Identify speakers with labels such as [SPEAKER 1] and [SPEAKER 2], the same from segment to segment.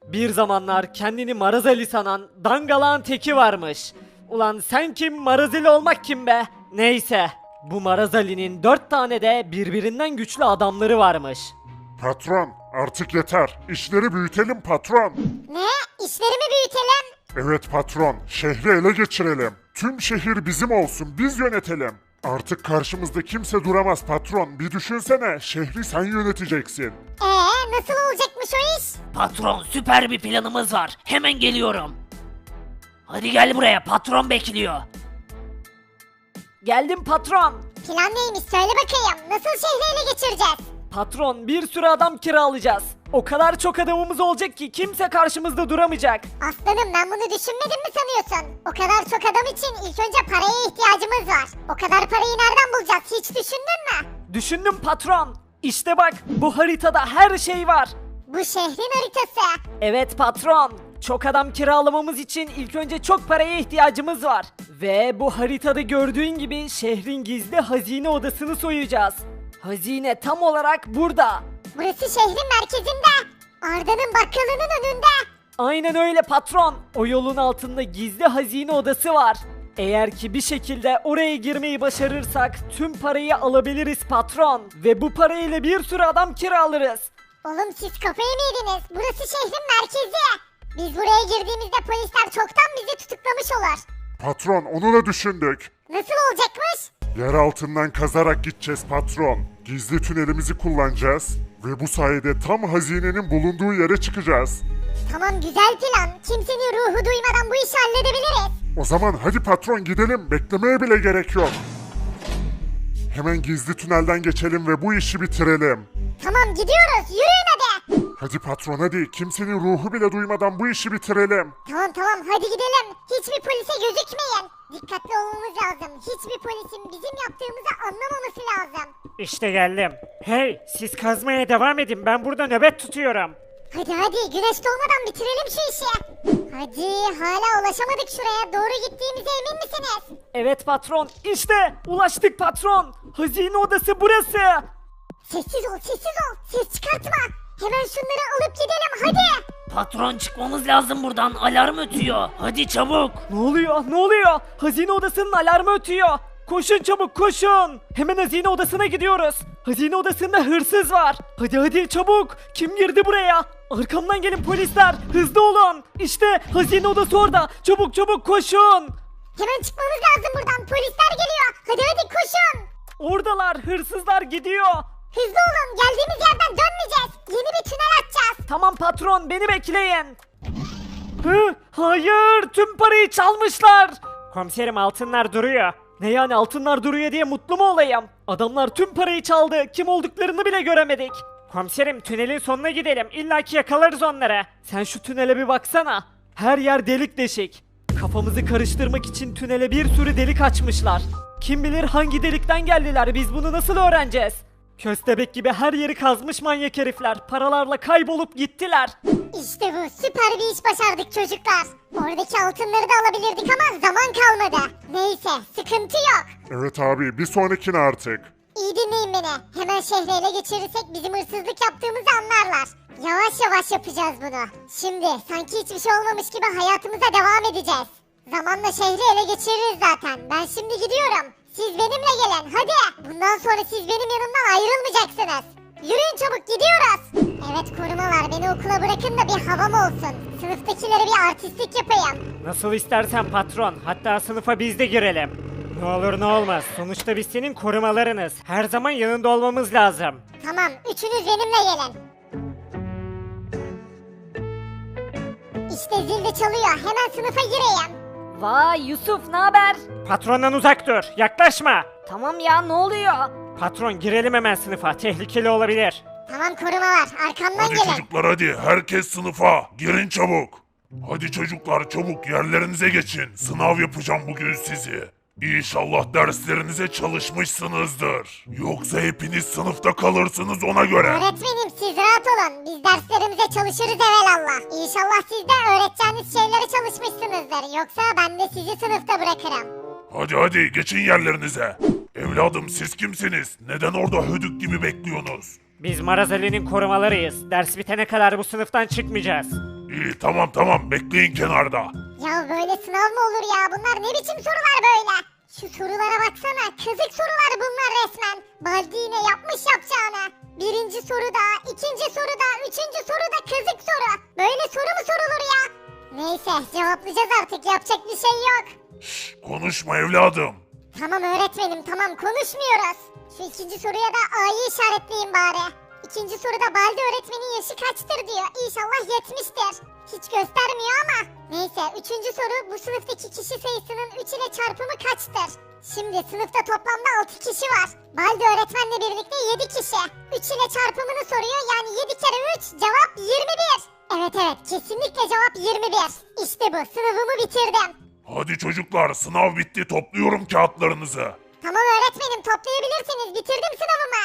[SPEAKER 1] Bir zamanlar kendini Marazali sanan dangalağın teki varmış. Ulan sen kim, Marazali olmak kim be? Neyse, bu Marazali'nin 4 tane de birbirinden güçlü adamları varmış.
[SPEAKER 2] Patron, artık yeter. İşleri büyütelim patron.
[SPEAKER 3] Ne? İşlerimi büyütelim.
[SPEAKER 2] Evet patron, şehri ele geçirelim. Tüm şehir bizim olsun, biz yönetelim. Artık karşımızda kimse duramaz patron. Bir düşünsene, şehri sen yöneteceksin.
[SPEAKER 3] Nasıl olacakmış o iş?
[SPEAKER 4] Patron, süper bir planımız var. Hemen geliyorum. Hadi gel buraya, patron bekliyor.
[SPEAKER 1] Geldim patron.
[SPEAKER 3] Plan neymiş söyle bakayım. Nasıl şehri ele geçireceğiz?
[SPEAKER 1] Patron, bir sürü adam kiralayacağız. O kadar çok adamımız olacak ki kimse karşımızda duramayacak.
[SPEAKER 3] Aslanım ben bunu düşünmedim mi sanıyorsun? O kadar çok adam için ilk önce paraya ihtiyacımız var. O kadar parayı nereden bulacağız hiç düşündün mü?
[SPEAKER 1] Düşündüm patron. İşte bak, bu haritada her şey var.
[SPEAKER 3] Bu şehrin haritası.
[SPEAKER 1] Evet patron. Çok adam kiralamamız için ilk önce çok paraya ihtiyacımız var. Ve bu haritada gördüğün gibi şehrin gizli hazine odasını soyacağız. Hazine tam olarak burada.
[SPEAKER 3] Burası şehrin merkezinde. Arda'nın bakkalının önünde.
[SPEAKER 1] Aynen öyle patron. O yolun altında gizli hazine odası var. Eğer ki bir şekilde oraya girmeyi başarırsak tüm parayı alabiliriz patron. Ve bu parayla bir sürü adam kiralarız.
[SPEAKER 3] Oğlum siz kafayı mı yediniz? Burası şehrin merkezi. Biz buraya girdiğimizde polisler çoktan bizi tutuklamış olur.
[SPEAKER 2] Patron, onu da düşündük.
[SPEAKER 3] Nasıl olacakmış?
[SPEAKER 2] Yer altından kazarak gideceğiz patron. Gizli tünelimizi kullanacağız. Ve bu sayede tam hazinenin bulunduğu yere çıkacağız.
[SPEAKER 3] Tamam güzel plan. Kimsenin ruhu duymadan bu işi halledebiliriz.
[SPEAKER 2] O zaman hadi patron gidelim. Beklemeye bile gerek yok. Hemen gizli tünelden geçelim ve bu işi bitirelim.
[SPEAKER 3] Tamam gidiyoruz. Yürüyün hadi.
[SPEAKER 2] Hadi patron hadi. Kimsenin ruhu bile duymadan bu işi bitirelim.
[SPEAKER 3] Tamam hadi gidelim. Hiçbir polise gözükmeyin. Dikkatli olmamız lazım. Hiçbir polisin bizim yaptığımızı anlamaması lazım.
[SPEAKER 5] İşte geldim. Hey, siz kazmaya devam edin. Ben burada nöbet tutuyorum.
[SPEAKER 3] Hadi güneş doğmadan bitirelim şu işi. Hadi hala ulaşamadık şuraya. Doğru gittiğimize emin misiniz?
[SPEAKER 1] Evet patron, işte ulaştık patron. Hazine odası burası.
[SPEAKER 3] Sessiz ol. Ses çıkartma. Hemen şunları alıp gidelim hadi.
[SPEAKER 4] Patron, çıkmamız lazım buradan, alarm ötüyor. Hadi çabuk.
[SPEAKER 1] Ne oluyor? Hazine odasının alarmı ötüyor. Koşun çabuk koşun. Hemen hazine odasına gidiyoruz. Hazine odasında hırsız var. Hadi çabuk. Kim girdi buraya? Arkamdan gelin polisler. Hızlı olun. İşte hazine odası orada. Çabuk koşun.
[SPEAKER 3] Hemen çıkmamız lazım buradan. Polisler geliyor. Hadi koşun.
[SPEAKER 1] Oradalar, hırsızlar gidiyor.
[SPEAKER 3] Hızlı olun. Geldiğimiz yerden dönmeyeceğiz. Yeni bir tünel açacağız.
[SPEAKER 1] Tamam patron, beni bekleyin. Hayır, tüm parayı çalmışlar.
[SPEAKER 5] Komiserim, altınlar duruyor.
[SPEAKER 1] Ne yani, altınlar duruyor diye mutlu mu olayım? Adamlar tüm parayı çaldı. Kim olduklarını bile göremedik.
[SPEAKER 5] Komiserim, tünelin sonuna gidelim. İlla ki yakalarız onları.
[SPEAKER 1] Sen şu tünele bir baksana. Her yer delik deşik. Kafamızı karıştırmak için tünele bir sürü delik açmışlar. Kim bilir hangi delikten geldiler, biz bunu nasıl öğreneceğiz? Köstebek gibi her yeri kazmış manyak herifler. Paralarla kaybolup gittiler.
[SPEAKER 3] İşte bu. Süper bir iş başardık çocuklar. Oradaki altınları da alabilirdik ama zaman kalmadı. Neyse sıkıntı yok.
[SPEAKER 2] Evet abi bir sonrakine artık.
[SPEAKER 3] İyi dinleyin beni. Hemen şehri ele geçirirsek bizim hırsızlık yaptığımızı anlarlar. Yavaş yavaş yapacağız bunu. Şimdi sanki hiçbir şey olmamış gibi hayatımıza devam edeceğiz. Zamanla şehri ele geçiririz zaten. Ben şimdi gidiyorum. Siz benimle gelin hadi. Bundan sonra siz benim yanımdan ayrılmayacaksınız. Yürüyün çabuk gidiyoruz. Evet korumalar beni okula bırakın da bir havam olsun. Sınıftakilere bir artistlik yapayım.
[SPEAKER 5] Nasıl istersen patron. Hatta sınıfa biz de girelim. Ne olur ne olmaz. Sonuçta biz senin korumalarınız. Her zaman yanında olmamız lazım.
[SPEAKER 3] Tamam üçünüz benimle gelin. İşte zil de çalıyor. Hemen sınıfa gireyim.
[SPEAKER 1] Vay Yusuf, ne haber?
[SPEAKER 5] Patrondan uzak dur. Yaklaşma.
[SPEAKER 1] Tamam ya, ne oluyor?
[SPEAKER 5] Patron, girelim hemen sınıfa. Tehlikeli olabilir.
[SPEAKER 3] Tamam korumalar arkamdan
[SPEAKER 2] Hadi
[SPEAKER 3] gelin.
[SPEAKER 2] çocuklar hadi herkes sınıfa girin çabuk. Hadi çocuklar çabuk yerlerinize geçin. Sınav yapacağım bugün sizi. İnşallah derslerinize çalışmışsınızdır. Yoksa hepiniz sınıfta kalırsınız ona göre.
[SPEAKER 3] Öğretmenim siz rahat olun. Biz derslerimize çalışırız evelallah. İnşallah siz de öğreteceğiniz şeylere çalışmışsınızdır. Yoksa ben de sizi sınıfta bırakırım.
[SPEAKER 2] Hadi geçin yerlerinize. Evladım siz kimsiniz? Neden orada hödük gibi bekliyorsunuz?
[SPEAKER 5] Biz Marazali'nin korumalarıyız. Ders bitene kadar bu sınıftan çıkmayacağız.
[SPEAKER 2] İyi tamam bekleyin kenarda.
[SPEAKER 3] Ya böyle sınav mı olur ya? Bunlar ne biçim sorular böyle? Şu sorulara baksana. Kazık sorular bunlar resmen. Baldi yine yapmış yapacağını. Birinci soruda, ikinci soruda, üçüncü soruda kazık soru. Böyle soru mu sorulur ya? Neyse cevaplayacağız artık. Yapacak bir şey yok.
[SPEAKER 2] Şşş, konuşma evladım.
[SPEAKER 3] Tamam öğretmenim tamam konuşmuyoruz. Şu ikinci soruya da A'yı işaretleyin bari. İkinci soruda Baldi öğretmenin yaşı kaçtır diyor. İnşallah 70'tir. Hiç göstermiyor ama. Neyse üçüncü soru bu sınıftaki kişi sayısının 3 ile çarpımı kaçtır? Şimdi sınıfta toplamda 6 kişi var. Baldi öğretmenle birlikte 7 kişi. 3 ile çarpımını soruyor yani 7 kere 3 cevap 21. Evet kesinlikle cevap 21. İşte bu sınavımı bitirdim.
[SPEAKER 2] Hadi çocuklar sınav bitti topluyorum kağıtlarınızı.
[SPEAKER 3] Tamam öğretmenim toplayabilirsiniz bitirdim sınavımı.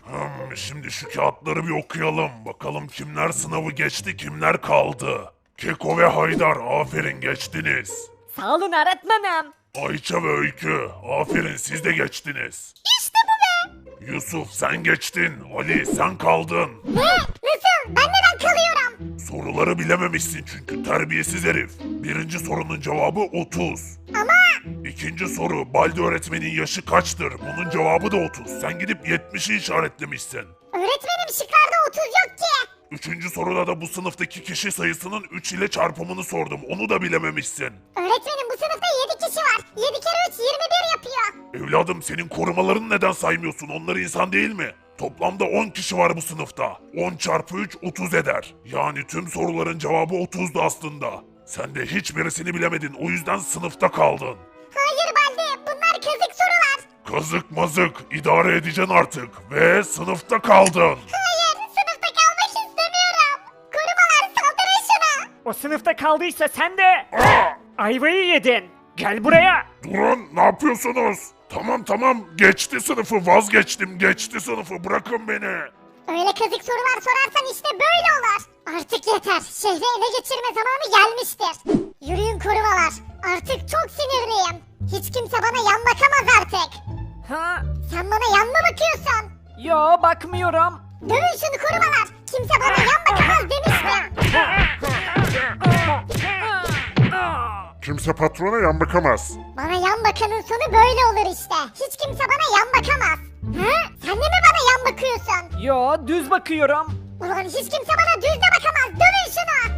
[SPEAKER 2] Şimdi şu kağıtları bir okuyalım. Bakalım kimler sınavı geçti kimler kaldı. Keko ve Haydar aferin geçtiniz.
[SPEAKER 1] Sağ olun öğretmenim.
[SPEAKER 2] Ayça ve Öykü aferin siz de geçtiniz.
[SPEAKER 3] İşte bu be.
[SPEAKER 2] Yusuf sen geçtin. Ali sen kaldın.
[SPEAKER 3] Ne? Nasıl? Ben neden kalıyorum?
[SPEAKER 2] Soruları bilememişsin çünkü terbiyesiz herif. Birinci sorunun cevabı 30.
[SPEAKER 3] Ama
[SPEAKER 2] İkinci soru Baldi öğretmenin yaşı kaçtır? Bunun cevabı da 30. Sen gidip 70'i işaretlemişsin.
[SPEAKER 3] öğretmenim şıklarda 30 yok ki.
[SPEAKER 2] Üçüncü soruda da bu sınıftaki kişi sayısının 3 ile çarpımını sordum. Onu da bilememişsin.
[SPEAKER 3] Öğretmenim bu sınıfta 7 kişi var. 7 kere 3 21 yapıyor.
[SPEAKER 2] Evladım senin korumalarını neden saymıyorsun? Onlar insan değil mi? Toplamda 10 kişi var bu sınıfta. 10 çarpı 3 30 eder. Yani tüm soruların cevabı 30'du aslında. Sen de hiçbirisini bilemedin. O yüzden sınıfta kaldın.
[SPEAKER 3] Hayır Baldi bunlar kazık sorular.
[SPEAKER 2] Kazık mazık idare edeceksin artık. Ve sınıfta kaldın.
[SPEAKER 3] Hayır sınıfta kalmak istemiyorum. Korumalar saldırın şuna.
[SPEAKER 5] O sınıfta kaldıysa sen de ayvayı yedin. Gel buraya.
[SPEAKER 2] Durun ne yapıyorsunuz? Tamam geçti sınıfı vazgeçtim geçti sınıfı bırakın beni.
[SPEAKER 3] Öyle kazık sorular sorarsan işte böyle olur. Artık yeter. Şehri ele geçirme zamanı gelmiştir. Yürüyün korumalar. Artık çok sinirliyim. Hiç kimse bana yan bakamaz artık.
[SPEAKER 1] Ha?
[SPEAKER 3] Sen bana yan mı bakıyorsun?
[SPEAKER 1] Yo bakmıyorum.
[SPEAKER 3] Dövün şunu korumalar. Kimse bana yan bakamaz demiştim.
[SPEAKER 2] Kimse patrona yan bakamaz.
[SPEAKER 3] Bana yan bakanın sonu böyle olur işte. Hiç kimse bana yan bakamaz. Ha? Sen de mi bana yan bakıyorsun?
[SPEAKER 1] Yo düz bakıyorum.
[SPEAKER 3] Ulan hiç kimse bana düz de bakamaz. Dövün şunu.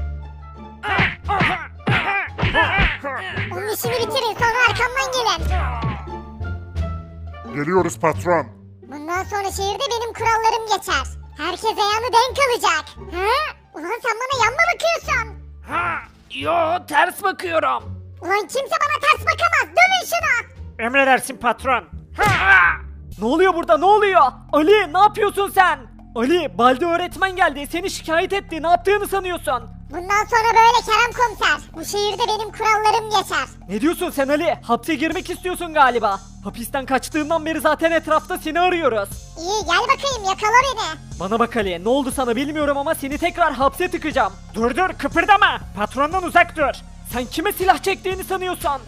[SPEAKER 3] Onun işini bitirin sonra arkamdan gelin.
[SPEAKER 2] Geliyoruz patron.
[SPEAKER 3] Bundan sonra şehirde benim kurallarım geçer. Herkes ayağını denk alacak. Ha? Ulan sen bana yan mı bakıyorsun?
[SPEAKER 1] Yo ters bakıyorum.
[SPEAKER 3] Ulan kimse bana ters bakamaz. Dövün şunu.
[SPEAKER 5] Emredersin patron.
[SPEAKER 1] Ne oluyor burada ne oluyor? Ali ne yapıyorsun sen? Ali Baldi öğretmen geldi seni şikayet etti ne yaptığını sanıyorsun?
[SPEAKER 3] Bundan sonra böyle Kerem komiser. Bu şehirde benim kurallarım geçer.
[SPEAKER 1] Ne diyorsun sen Ali? Hapse girmek istiyorsun galiba. Hapisten kaçtığından beri zaten etrafta seni arıyoruz.
[SPEAKER 3] İyi gel bakayım yakala beni.
[SPEAKER 1] Bana bak Ali ne oldu sana bilmiyorum ama seni tekrar hapse tıkacağım.
[SPEAKER 5] Dur kıpırdama. Patrondan uzak dur.
[SPEAKER 1] Sen kime silah çektiğini sanıyorsun?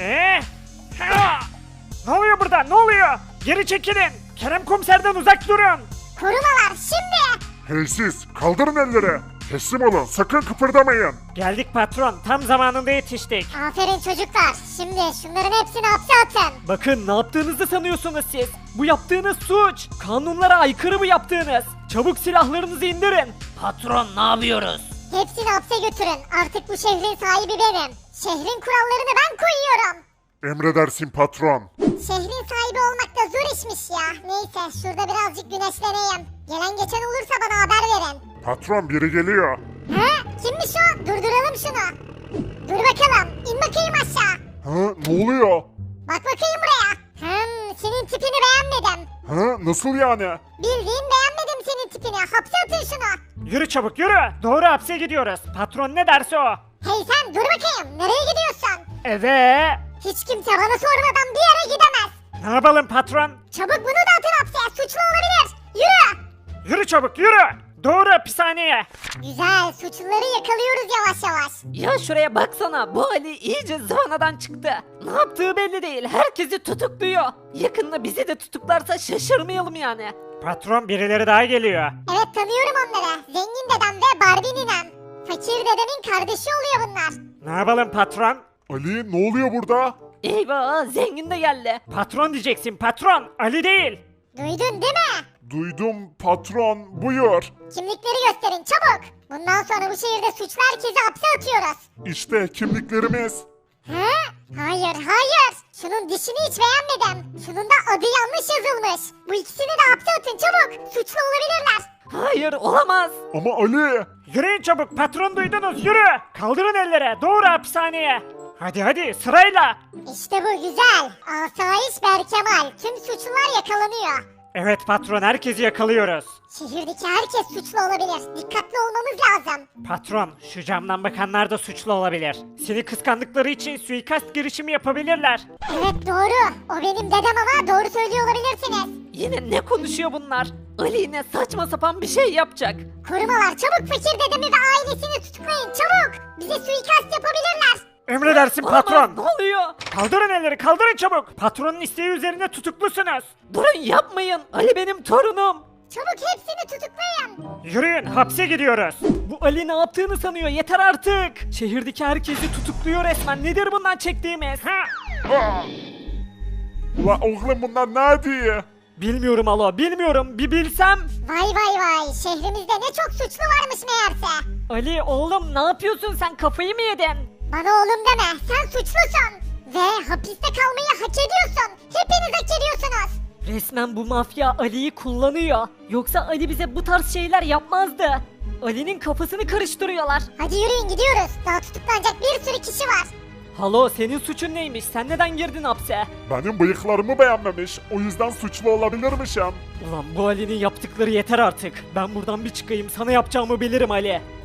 [SPEAKER 5] Ne oluyor burada? Ne oluyor? Geri çekilin. Kerem komiserden uzak durun.
[SPEAKER 3] Korumalar şimdi.
[SPEAKER 2] Hey siz kaldırın elleri. Teslim olun sakın kıpırdamayın.
[SPEAKER 5] Geldik patron. Tam zamanında yetiştik.
[SPEAKER 3] Aferin çocuklar. Şimdi şunların hepsini hapse atın.
[SPEAKER 1] Bakın ne yaptığınızı sanıyorsunuz siz? Bu yaptığınız suç. Kanunlara aykırı bu yaptığınız. Çabuk silahlarınızı indirin.
[SPEAKER 4] Patron ne yapıyoruz?
[SPEAKER 3] Hepsini hapse götürün. Artık bu şehrin sahibi benim. Şehrin kurallarını ben koyuyorum.
[SPEAKER 2] Emredersin patron.
[SPEAKER 3] Şehrin sahibi olmak da zor işmiş ya. Neyse şurada birazcık güneşleneyim. Gelen geçen olursa bana haber verin.
[SPEAKER 2] Patron biri geliyor.
[SPEAKER 3] Ha? Kimmiş o? Durduralım şunu. Dur bakalım. İn bakayım aşağı.
[SPEAKER 2] Ha ne oluyor?
[SPEAKER 3] Bak bakayım buraya. Senin tipini beğenmedim.
[SPEAKER 2] Ha nasıl yani?
[SPEAKER 3] Bildiğin beğenmedim senin tipini. Hapse atın şunu.
[SPEAKER 5] Yürü çabuk yürü. Doğru hapse gidiyoruz. Patron ne derse o.
[SPEAKER 3] Hey sen dur bakayım. Nereye gidiyorsun?
[SPEAKER 5] Eve.
[SPEAKER 3] Hiç kimse bana sormadan bir yere gidemez.
[SPEAKER 5] Ne yapalım patron?
[SPEAKER 3] Çabuk bunu da atın hapse. Suçlu olabilir. Yürü.
[SPEAKER 5] Yürü çabuk yürü. Doğru hapishaneye.
[SPEAKER 3] Güzel. Suçluları yakalıyoruz yavaş yavaş.
[SPEAKER 1] Ya şuraya baksana bu Ali iyice zıvanadan çıktı. Ne yaptığı belli değil herkesi tutukluyor. Yakında bizi de tutuklarsa şaşırmayalım yani.
[SPEAKER 5] Patron birileri daha geliyor.
[SPEAKER 3] Evet tanıyorum onları. Zengin dedem ve Barbie ninem. Fakir dedemin kardeşi oluyor bunlar.
[SPEAKER 5] Ne yapalım patron?
[SPEAKER 2] Ali ne oluyor burada?
[SPEAKER 1] Eyvah zengin de geldi.
[SPEAKER 5] Patron diyeceksin patron. Ali değil.
[SPEAKER 3] Duydun değil mi?
[SPEAKER 2] Duydum patron, buyur.
[SPEAKER 3] Kimlikleri gösterin çabuk. Bundan sonra bu şehirde suçlu herkesi hapse atıyoruz.
[SPEAKER 2] İşte kimliklerimiz.
[SPEAKER 3] He? Hayır. Şunun dişini hiç beğenmedim. Şunun da adı yanlış yazılmış. Bu ikisini de hapse atın çabuk. Suçlu olabilirler.
[SPEAKER 1] Hayır olamaz.
[SPEAKER 2] Ama Ali.
[SPEAKER 5] Yürüyün çabuk patron duydunuz yürü. Kaldırın ellere doğru hapishaneye. Hadi sırayla.
[SPEAKER 3] İşte bu güzel. Asayiş Berkemal. Tüm suçlular yakalanıyor.
[SPEAKER 5] Evet patron herkesi yakalıyoruz.
[SPEAKER 3] Şehirdeki herkes suçlu olabilir. Dikkatli olmamız lazım.
[SPEAKER 5] Patron şu camdan bakanlar da suçlu olabilir. Seni kıskandıkları için suikast girişimi yapabilirler.
[SPEAKER 3] Evet doğru. O benim dedem ama doğru söylüyor olabilirsiniz.
[SPEAKER 1] Yine ne konuşuyor bunlar? Ali yine saçma sapan bir şey yapacak.
[SPEAKER 3] Korumalar çabuk fakir dedemi ve ailesini tutuklayın çabuk. Bize suikast yapabilirler.
[SPEAKER 5] Emredersin
[SPEAKER 1] Olamaz,
[SPEAKER 5] patron.
[SPEAKER 1] ne oluyor?
[SPEAKER 5] Kaldırın elleri kaldırın çabuk. Patronun isteği üzerine tutuklusunuz.
[SPEAKER 1] Durun yapmayın. Ali benim torunum.
[SPEAKER 3] Çabuk hepsini tutuklayın.
[SPEAKER 5] Yürüyün hapse gidiyoruz.
[SPEAKER 1] Bu Ali ne yaptığını sanıyor yeter artık. Şehirdeki herkesi tutukluyor resmen. Nedir bundan çektiğimiz?
[SPEAKER 2] Ula oğlum bunlar ne diyor?
[SPEAKER 1] Bilmiyorum Alo bilmiyorum. Bir bilsem.
[SPEAKER 3] Vay. Şehrimizde ne çok suçlu varmış meğerse.
[SPEAKER 1] Ali oğlum ne yapıyorsun sen kafayı mı yedin?
[SPEAKER 3] Bana oğlum deme. Sen suçlusun. Ve hapiste kalmayı hak ediyorsun. Hepiniz hak ediyorsunuz.
[SPEAKER 1] Resmen bu mafya Ali'yi kullanıyor. Yoksa Ali bize bu tarz şeyler yapmazdı. Ali'nin kafasını karıştırıyorlar.
[SPEAKER 3] Hadi yürüyün gidiyoruz. Daha tutuklanacak bir sürü kişi var.
[SPEAKER 1] Halo senin suçun neymiş? Sen neden girdin hapse?
[SPEAKER 2] Benim bıyıklarımı beğenmemiş. O yüzden suçlu olabilirmişim.
[SPEAKER 1] Ulan bu Ali'nin yaptıkları yeter artık. Ben buradan bir çıkayım. Sana yapacağımı bilirim Ali.